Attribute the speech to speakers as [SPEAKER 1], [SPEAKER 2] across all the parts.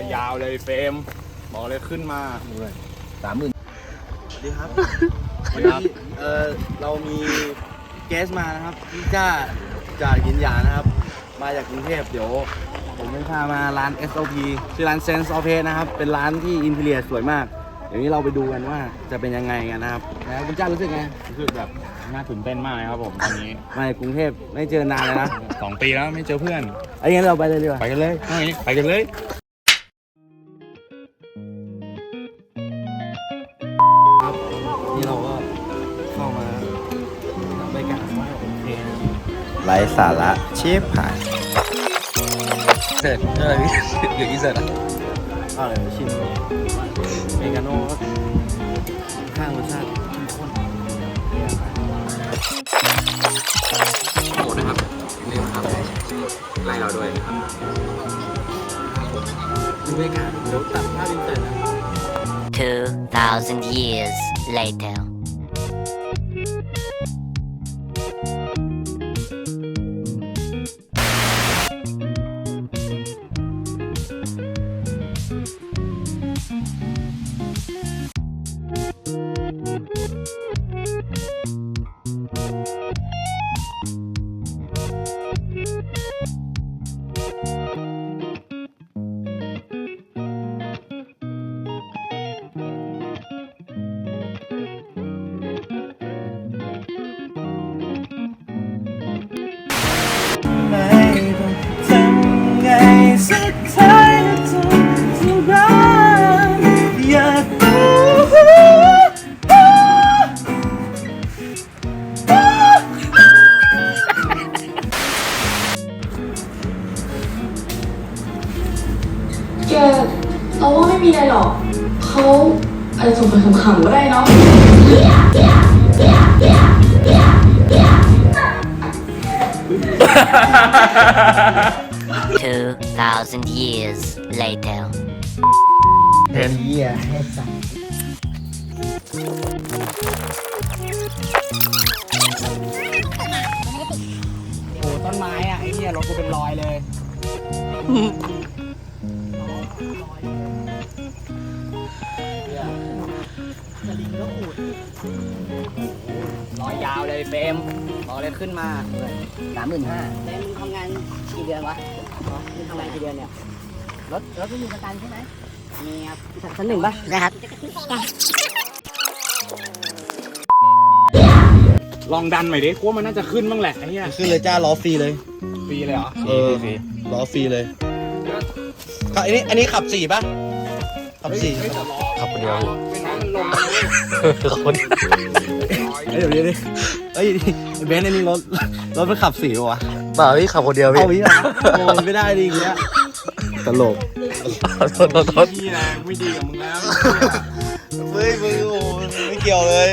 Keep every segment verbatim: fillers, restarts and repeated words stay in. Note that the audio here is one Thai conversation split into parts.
[SPEAKER 1] ยาวเลยเฟรมบอกเลยขึ้นมาสามหมื่นสวัสดีครับวันนี้เออเรามีเกสมานะครับพี่จ้าจากยินยานะครับมาจากกรุงเทพเดี๋ยวผมจะพามาร้าน เอส โอ พี ชื่อร้าน Sense of Taste นะครับเป็นร้านที่อินทีเรียสวยมากเดี๋ยวนี้เราไปดูกันว่าจะเป็นยังไงกันนะครับแล้วคุณจ้ารู้สึกไงรู้สึกแบบน่าตื่นเต้นมากเลยครับผมตอนนี้มาจากกรุงเทพไม่เจอนานเลยนะสองปีแล้วไม่เจอเพื่อนไอ้งั้นเราไปเลยดีกว่าไปกันเลยไปกันเลยครับนี่เราก็เข้ามาบรรยากาศว่าโอเคไร้สาระชิบหายเสร็จอะไรพี่เดี๋ยวอีเสร็จอ่ะอะไรชิมเมกาโน่ข้างรสชาติข้นโหนะครับนี่นะครับไล่เราด้วยนะครับดูบรรยากาศเดี๋ยวตัดภาพอินเตอร์นะ
[SPEAKER 2] two thousand years later
[SPEAKER 3] สุดท้ายจะจะรักอยาก
[SPEAKER 4] แกเราว่าไม่มีอะไรหรอกเขาอาจจะส่งไปขำๆก็ได้เนาะ
[SPEAKER 2] two thousand years later
[SPEAKER 1] เห็น
[SPEAKER 3] เหี้ยให้สัตว์โอ้ต้นไม้อ่ะไอ้เนี่ยรถกูเป็นรอยเลยสลิงก็อุดรอยยาวเลยเฟรมบอกเลยขึ้นมาสามหมื่นห้าเฟรมมึงทำงานกี่เดือนวะมึงทำงานกี่เดือนเนี่ยรถรถไม่มีประกันใช่ไหมมีครับชั้นหนึ่งป่ะนะครับ
[SPEAKER 1] ลองดันหน่อยดิกูว่ามันน่าจะขึ้นบ้างแหละไอ้เหี้ย
[SPEAKER 3] ขึ้นเลยจ้าล้อฟรีเลย
[SPEAKER 1] ฟรีเลยเหรอ
[SPEAKER 3] เออล้อฟรีเลยขับอันนี้อันนี้ขับสี่ป่ะขับสี่
[SPEAKER 1] ขับคนเดียวเป็นน้องมันลง
[SPEAKER 3] คนเดี๋ยวนี้ดิเอ้ยเบนซ์อันนี้รถรถมันขับสี่วะ
[SPEAKER 5] เปล่าพี่ขับคนเดียวพี่
[SPEAKER 3] เอาพี่นะโอ้ไม่ได้ดิอย่างเงี้ยตลก
[SPEAKER 5] โทษโทษโทษ
[SPEAKER 1] พี่นะไม่ดีกับมึงแล้ว
[SPEAKER 3] เฮ้ยมึงโอ้ไม่เกี่ยวเลย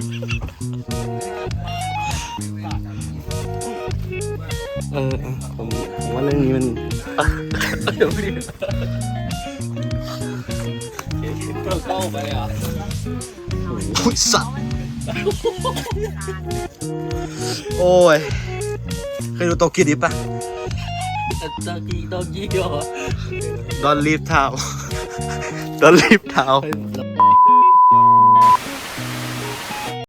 [SPEAKER 3] เออผมผมว่าเรื่องนี้มัน
[SPEAKER 5] เดี๋ยวพี่
[SPEAKER 1] เข้าไปเลยเหรอ
[SPEAKER 3] พุทสัตว์โอ้ยเคยดูโตเกียวดิป่ะ
[SPEAKER 5] ตะกี้ตะกี้เหรอ
[SPEAKER 3] Don't leave town Don't leave town